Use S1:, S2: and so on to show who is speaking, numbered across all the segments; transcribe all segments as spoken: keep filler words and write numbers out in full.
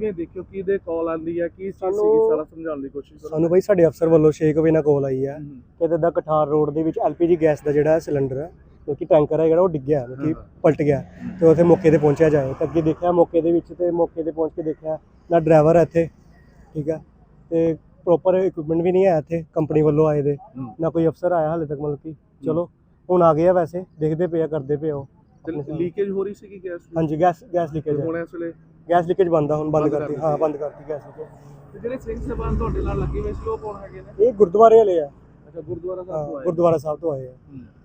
S1: ਕਿਵੇਂ ਦੇਖਿਓ ਕਿਹਦੇ ਕਾਲ ਆਂਦੀ ਹੈ ਕੀ ਚੀਜ਼ ਸੀਗੀ ਸਾਰਾ ਸਮਝਾਉਣ ਦੀ ਕੋਸ਼ਿਸ਼ ਕਰੋ।
S2: ਸਾਨੂੰ ਬਾਈ ਸਾਡੇ ਅਫਸਰ ਵੱਲੋਂ ਛੇ ਵਜੇ ਨਾਲ ਕਾਲ ਆਈ ਹੈ ਕਿ ਇੱਦਾਂ ਕਠਾਰ ਰੋਡ ਦੇ ਵਿੱਚ ਐਲਪੀਜੀ ਗੈਸ ਦਾ ਜਿਹੜਾ ਸਿਲੰਡਰ ਹੈ ਕਿਉਂਕਿ ਟੈਂਕਰ ਹੈ ਜਿਹੜਾ ਉਹ ਡਿੱਗਿਆ ਕਿ ਪਲਟ ਗਿਆ ਤੇ ਉੱਥੇ ਮੌਕੇ ਤੇ ਪਹੁੰਚਿਆ ਜਾਏ ਤੇ ਅੱਗੇ ਦੇਖਿਆ ਮੌਕੇ ਦੇ ਵਿੱਚ ਤੇ ਮੌਕੇ ਤੇ ਪਹੁੰਚ ਕੇ ਦੇਖਿਆ ਨਾ ਡਰਾਈਵਰ ਹੈ ਇੱਥੇ ਠੀਕ ਹੈ ਤੇ ਪ੍ਰੋਪਰ ਇਕਵਿਪਮੈਂਟ ਵੀ ਨਹੀਂ ਹੈ ਇੱਥੇ ਕੰਪਨੀ ਵੱਲੋਂ ਆਏ ਦੇ ਨਾ ਕੋਈ ਅਫਸਰ ਆਇਆ ਹਾਲੇ ਤੱਕ ਮਤਲਬ ਕਿ ਚਲੋ ਹੁਣ ਆ ਗਏ ਆ ਵੈਸੇ ਦੇਖਦੇ ਪਏ ਆ ਕਰਦੇ ਪਏ ਹੋ
S1: ਲੀਕੇਜ ਹੋ ਰਹੀ ਸੀਗੀ ਗੈਸ ਦੀ?
S2: ਹਾਂਜੀ ਗੈਸ ਗੈਸ ਲੀਕੇਜ
S1: ਹੁਣ ਇਸ ਵੇਲੇ
S2: ਗੈਸ ਲੀਕੇਜ ਬੰਦ ਆ ਹੁਣ ਬੰਦ ਕਰਤੀ ਹਾਂ ਬੰਦ ਕਰਤੀ ਗੈਸ ਲੀਕੇਜ।
S1: ਤੇ ਜਿਹੜੇ ਸਿੰਘ ਸਾਹਿਬਾਨ ਤੁਹਾਡੇ ਨਾਲ ਲੱਗੇ ਹੋਏ ਸੀ ਉਹ ਕੌਣ ਹੈਗੇ ਨੇ?
S2: ਇਹ ਗੁਰਦੁਆਰੇ ਵਾਲੇ ਆ।
S1: ਅੱਛਾ ਗੁਰਦੁਆਰਾ ਸਾਹਿਬ ਤੋਂ ਆਏ
S2: ਗੁਰਦੁਆਰਾ ਸਾਹਿਬ ਤੋਂ ਆਏ ਆ।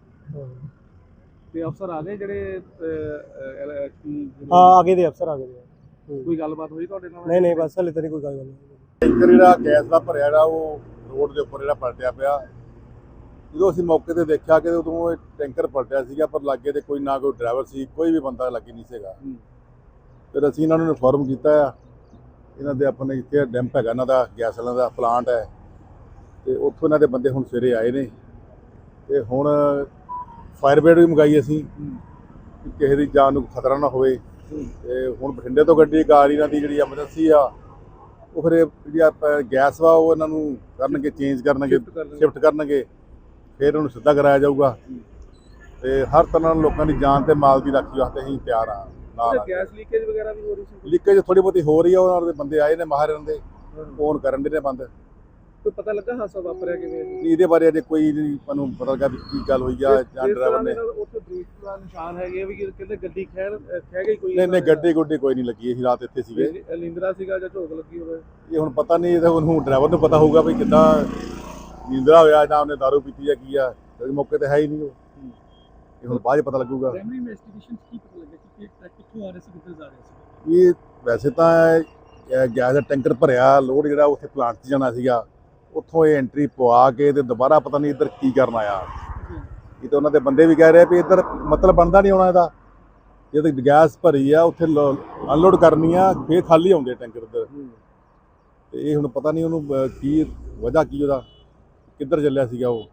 S1: ਤੇ ਅਫਸਰ ਆ ਗਏ ਜਿਹੜੇ
S2: ਹਾਂ ਆਗੇ ਦੇ ਅਫਸਰ ਆ ਗਏ ਦੇ।
S1: ਕੋਈ ਗੱਲਬਾਤ ਹੋਈ ਤੁਹਾਡੇ ਨਾਲ?
S2: ਨਹੀਂ ਨਹੀਂ ਬਸ ਹਲੇ ਤਾਂ ਨਹੀਂ ਕੋਈ ਗੱਲ ਨਹੀਂ।
S3: ਟੈਂਕਰ ਜਿਹੜਾ ਗੈਸ ਦਾ ਭਰਿਆ ਜਿਹੜਾ ਉਹ ਰੋਡ ਦੇ ਉੱਪਰ ਜਿਹੜਾ ਪਲਟਿਆ ਪਿਆ। ਜਦੋਂ ਅਸੀਂ ਮੌਕੇ ਤੇ ਦੇਖਿਆ ਕਿ ਉਦੋਂ ਇਹ ਟੈਂਕਰ ਪਲਟਿਆ ਸੀਗਾ ਪਰ ਲਾਗੇ ਤੇ ਕੋਈ ਨਾ ਕੋਈ ਡਰਾਈਵਰ ਸੀ ਕੋਈ ਵੀ ਬੰਦਾ ਲੱਗੇ ਨਹੀਂ ਸੀਗਾ। ਫਿਰ ਅਸੀਂ ਇਹਨਾਂ ਨੂੰ ਇਨਫੋਰਮ ਕੀਤਾ ਆ ਇਹਨਾਂ ਦੇ ਆਪਣੇ ਇੱਥੇ ਡੈਂਪ ਹੈਗਾ ਇਹਨਾਂ ਦਾ ਗੈਸ ਵਾਲਿਆਂ ਦਾ ਪਲਾਂਟ ਹੈ ਤੇ ਉੱਥੋਂ ਇਹਨਾਂ ਦੇ ਬੰਦੇ ਹੁਣ ਸਵੇਰੇ ਆਏ ਨੇ ਤੇ ਹੁਣ ਫਾਇਰ ਬ੍ਰਿਗੇਡ ਵੀ ਮੰਗਾਈ ਅਸੀਂ ਕਿ ਕਿਸੇ ਦੀ ਜਾਨ ਨੂੰ ਖਤਰਾ ਨਾ ਹੋਵੇ। ਤੇ ਹੁਣ ਬਠਿੰਡੇ ਤੋਂ ਗੱਡੀ ਆ ਰਹੀ ਇਹਨਾਂ ਦੀ ਜਿਹੜੀ ਐਮਰਜੈਂਸੀ ਆ ਉਹ ਫਿਰ ਜਿਹੜੀ ਗੈਸ ਵਾ ਉਹ ਇਹਨਾਂ ਨੂੰ ਕਰਨਗੇ ਚੇਂਜ ਕਰਨਗੇ ਸ਼ਿਫਟ ਕਰਨਗੇ ਫਿਰ ਉਹਨੂੰ ਸਿੱਧਾ ਕਰਾਇਆ ਜਾਊਗਾ ਤੇ ਹਰ ਤਰ੍ਹਾਂ ਨਾਲ ਲੋਕਾਂ ਦੀ ਜਾਨ ਤੇ ਮਾਲ ਦੀ ਰਾਖੀ ਵਾਸਤੇ ਅਸੀਂ ਤਿਆਰ ਆ। ਨਾਲ
S1: ਗੈਸ ਲੀਕੇਜ ਵਗੈਰਾ ਵੀ ਹੋ ਰਹੀ ਸੀ?
S3: ਲੀਕੇਜ ਥੋੜੀ ਬਹੁਤੀ ਹੋ ਰਹੀ ਆ ਉਹਨਾਂ ਦੇ ਬੰਦੇ ਆਏ ਨੇ ਮਾਹਰ ਦੇ ਫੋਨ ਕਰਨ ਦੇ ਨੇ ਬੰਦ।
S1: ਕੋਈ ਪਤਾ ਲੱਗਾ ਹਾਦਸਾ ਵਾਪਰਿਆ ਕਿਵੇਂ?
S3: ਇਹਦੇ ਬਾਰੇ ਅਜੇ ਕੋਈ ਨਹੀਂ ਸਾਨੂੰ ਪਤਾ ਲੱਗਾ ਵੀ ਕੀ ਗੱਲ ਹੋਈ ਆ ਜਾਂ ਡਰਾਈਵਰ ਨੇ
S1: ਉੱਥੇ ਬ੍ਰੇਕ ਦਾ ਨਿਸ਼ਾਨ ਹੈਗੇ ਵੀ ਕਹਿੰਦੇ ਗੱਡੀ ਖੈਰ ਖਹਿ ਗਈ ਕੋਈ?
S3: ਨਹੀਂ ਨਹੀਂ ਗੱਡੀ ਗੁੱਡੀ ਕੋਈ ਨਹੀਂ ਲੱਗੀ ਅਸੀਂ ਰਾਤ ਇੱਥੇ ਸੀਗੇ।
S1: ਨੀਂਦਰਾ ਸੀਗਾ ਜਾਂ ਝੋਕ ਲੱਗੀ ਹੋਵੇ
S3: ਇਹ ਹੁਣ ਪਤਾ ਨਹੀਂ ਇਹ ਉਹਨੂੰ ਡਰਾਈਵਰ ਨੂੰ ਪਤਾ ਹੋਊਗਾ ਵੀ ਕਿੱਦਾਂ ਨੀਂਦਰਾ ਹੋਇਆ ਜਾਂ ਉਹਨੇ ਦਾਰੂ ਪੀਤੀ ਜਾਂ ਕੀ ਆ ਕਿਉਂਕਿ ਮੌਕੇ ਤੇ ਹੈ ਹੀ ਨਹੀਂ ਉਹ। ਇਹ ਹੁਣ ਬਾਅਦ 'ਚ ਪਤਾ ਲੱਗੂਗਾ।
S1: ਪ੍ਰਾਇਮਰੀ ਇਨਵੈਸਟੀਗੇਸ਼ਨ ਕੀ ਪਤਾ ਲੱਗਾ ਕਿ ਕਿੱਥੋਂ ਆ ਰਹੇ ਸੀ ਕਿੱਧਰ ਜਾ ਰਹੇ ਸੀ?
S3: ਇਹ ਵੈਸੇ ਤਾਂ ਗੈਸ ਦਾ ਟੈਂਕਰ ਭਰਿਆ ਲੋਡ ਜਿਹੜਾ ਉੱਥੇ ਪਲਾਂਟ 'ਚ ਜਾਣਾ ਸੀਗਾ ਉੱਥੋਂ ਇਹ ਐਂਟਰੀ ਪਵਾ ਕੇ ਤੇ ਦੁਬਾਰਾ ਪਤਾ ਨਹੀਂ ਇੱਧਰ ਕੀ ਕਰਨ ਆਇਆ। ਇਹ ਤਾਂ ਉਹਨਾਂ ਦੇ ਬੰਦੇ ਵੀ ਕਹਿ ਰਹੇ ਵੀ ਇੱਧਰ ਮਤਲਬ ਬਣਦਾ ਨਹੀਂ ਹੋਣਾ ਇਹਦਾ ਜੇ ਤਾਂ ਗੈਸ ਭਰੀ ਆ ਉੱਥੇ ਅਨਲੋਡ ਕਰਨੀ ਆ ਫੇਰ ਖਾਲੀ ਆਉਂਦੇ ਟੈਂਕਰ ਇੱਧਰ ਤੇ ਇਹ ਹੁਣ ਪਤਾ ਨਹੀਂ ਉਹਨੂੰ ਕੀ ਵਜ੍ਹਾ ਕੀ ਉਹਦਾ ਕਿੱਧਰ ਚੱਲਿਆ ਸੀਗਾ ਉਹ।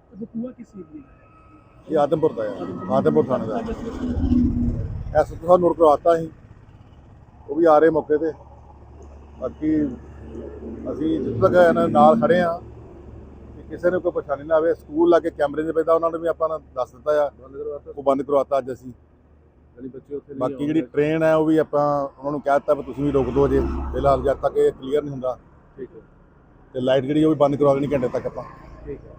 S3: ਇਹ ਆਦਮਪੁਰ ਦਾ ਆ ਆਦਮਪੁਰ ਥਾਣੇ ਦਾ ਐਸ ਤੋਂ ਨੋਟ ਕਰਵਾਤਾ ਸੀ ਉਹ ਵੀ ਆ ਰਹੇ ਮੌਕੇ ਤੇ। ਬਾਕੀ ਅਸੀਂ ਜਿੱਥੇ ਤੱਕ ਇਹਨਾਂ ਨਾਲ ਖੜੇ ਆ ਕਿ ਕਿਸੇ ਨੂੰ ਕੋਈ ਪਰੇਸ਼ਾਨੀ ਨਾ ਆਵੇ। ਸਕੂਲ ਲਾ ਕੇ ਕੈਮਰੇ ਦੇ ਪੈਦਾ ਉਹਨਾਂ ਨੂੰ ਵੀ ਆਪਾਂ ਦੱਸ ਦਿੱਤਾ ਆ ਉਹ ਬੰਦ ਕਰਵਾਤਾ ਅੱਜ ਅਸੀਂ। ਬਾਕੀ ਜਿਹੜੀ ਟ੍ਰੇਨ ਹੈ ਉਹ ਵੀ ਆਪਾਂ ਉਹਨਾਂ ਨੂੰ ਕਹਿ ਦਿੱਤਾ ਵੀ ਤੁਸੀਂ ਵੀ ਰੋਕ ਦਿਓ ਅਜੇ ਫਿਲਹਾਲ ਜਦ ਤੱਕ ਇਹ ਕਲੀਅਰ ਨਹੀਂ ਹੁੰਦਾ। ਠੀਕ ਹੈ ਤੇ ਲਾਈਟ ਜਿਹੜੀ ਉਹ ਵੀ ਬੰਦ ਕਰਵਾ ਦੇਣੀ ਘੰਟੇ ਤੱਕ ਆਪਾਂ। ਠੀਕ ਹੈ।